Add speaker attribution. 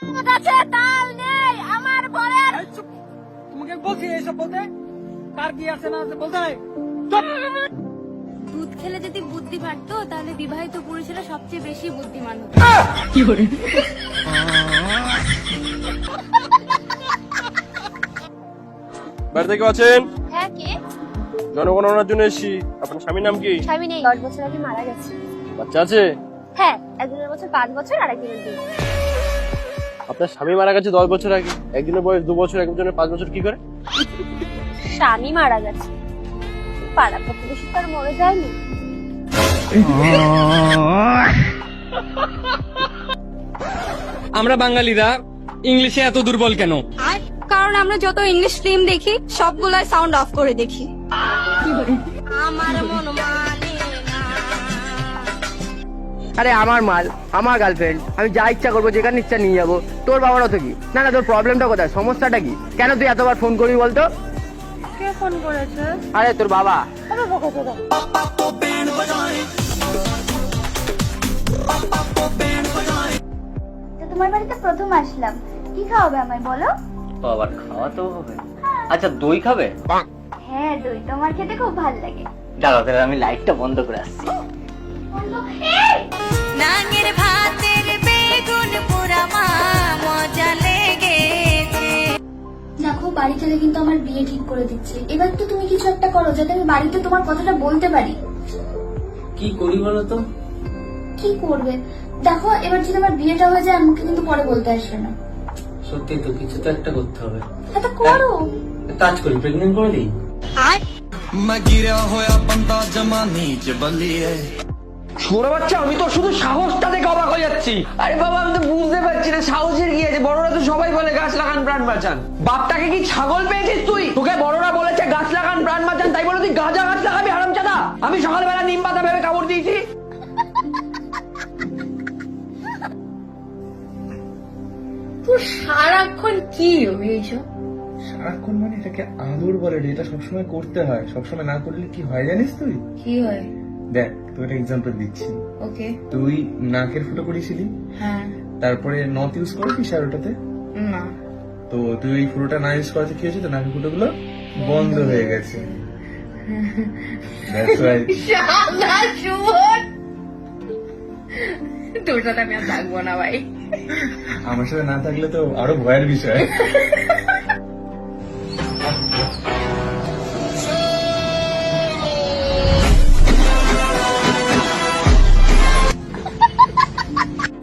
Speaker 1: কাছে তাল নেই আমার বরের।
Speaker 2: তোমাকে বলছি এইসব বলতে, কার কি আছে না আছে বলতে নাই। চুপ।
Speaker 1: দুধ খেলে যদি বুদ্ধি বাড়তো তাহলে বিবাহিত পুরুষেরা সবচেয়ে বেশি বুদ্ধিমান হতো।
Speaker 3: বাড়িতে কেউ আছেন?
Speaker 1: হ্যাঁ, কে?
Speaker 3: জনগণনার জন্য এসেছি। আপনার স্বামীর নাম কি?
Speaker 1: স্বামী নেই, 10 বছর আগে মারা গেছে।
Speaker 3: বাচ্চা আছে?
Speaker 1: হ্যাঁ, একজনের বছর 5 বছর আর একজনের 2।
Speaker 3: আপনার স্বামী মারা গেছে 10 বছর আগে, একজনের বয়স 2 বছর, একজনের 5 বছর, কি করে?
Speaker 1: স্বামী মারা গেছে, পাড়া প্রতিবেশী তার মরে যায়নি।
Speaker 2: আমরা বাঙালিরা ইংলিশে এত দুর্বল কেন?
Speaker 1: কারণ আমরা যত ইংলিশ ফিল্ম দেখি সবগুলাই সাউন্ড অফ করে দেখি। আমার মন মানে না।
Speaker 4: আরে আমার মাল, আমার গার্লফ্রেন্ড, আমি যা ইচ্ছা করবো, যেখানে ইচ্ছা নিয়ে যাবো। তোর বাবারও তো কি? না না, তোর প্রবলেমটা কোথায়, সমস্যাটা কি? কেন তুই এতবার ফোন করবি বলতো?
Speaker 1: কে ফোন করেছে?
Speaker 4: আরে তোর বাবা।
Speaker 5: তোমার বাড়িতে প্রথম আসলাম, কি খাওয়াবে আমায় বলো?
Speaker 6: আবার খাওয়াতেও হবে? আচ্ছা, দই খাবে?
Speaker 5: হ্যাঁ, দই তো আমার খেতে খুব ভালো লাগে।
Speaker 6: দাঁড়াও তাহলে আমি লাইটটা বন্ধ করে আসছি।
Speaker 1: নাঙের ভাতের বেগুন পোড়া মা মজা লেগেছে।
Speaker 5: দেখো, বাড়ি থেকে কিন্তু আমার বিয়ে ঠিক করে দিচ্ছে। এবার তো তুমি কিছু একটা করো যাতে আমি বাড়িতে তোমার কথাটা বলতে পারি।
Speaker 6: কি করি বলো তো?
Speaker 5: কি করবে? দেখো, এবার যদি আমার বিয়েটা হয়ে যায় আমাকে কিন্তু পরে বলতে আসবে না।
Speaker 6: সত্যি তো, কিছু তো একটা করতে হবে।
Speaker 5: হ্যাঁ, তো করো।
Speaker 6: কাজ করি, প্রেগনেন্ট করে দিই।
Speaker 4: ছোট বাচ্চা, আমি তো শুধু সাহসটা দেখে অবাক হয়ে যাচ্ছি। আরে বাবা, আমি তো বুঝতে পারছি না সাহসের কি আছে। বড়রা তো সবাই বলে গাছ লাগান প্রাণ বাঁচান। বাপটাকে কি ছাগল পেয়েছিস তুই? তোকে বড়রা বলেছে গাছ লাগান প্রাণ বাঁচান, তাই বলে তুই গাঁজা গাছ লাগাবি হারামজাদা? আমি সকালবেলা নিম পাতা ভেবে কামড় দিয়েছি।
Speaker 1: তুই সারাক্ষণ কি এইসব?
Speaker 7: সারাক্ষণ মানে এটাকে আদর বলে রে, এটা সবসময় করতে হয়। সবসময় না করলে কি হয় জানিস তুই?
Speaker 1: কি হয়?
Speaker 7: দেখ, তোকে একটা এক্সাম্পল দিচ্ছি।
Speaker 1: ওকে।
Speaker 7: তুই নাকের ফুটো করেছিলি,
Speaker 1: হ্যাঁ।
Speaker 7: তারপরে নথ ইউজ করেছিস আর ওটাতে।
Speaker 1: না।
Speaker 7: তো তুই ওই ফুটোটা না ইউজ করাতে কি হয়েছে, তো নাকের ফুটো গুলো বন্ধ হয়ে গেছে। That's why.
Speaker 1: তোর সাথে আমি আর থাকবো না ভাই।
Speaker 7: আমার সাথে না থাকলে তো আরো ভয়ের বিষয়।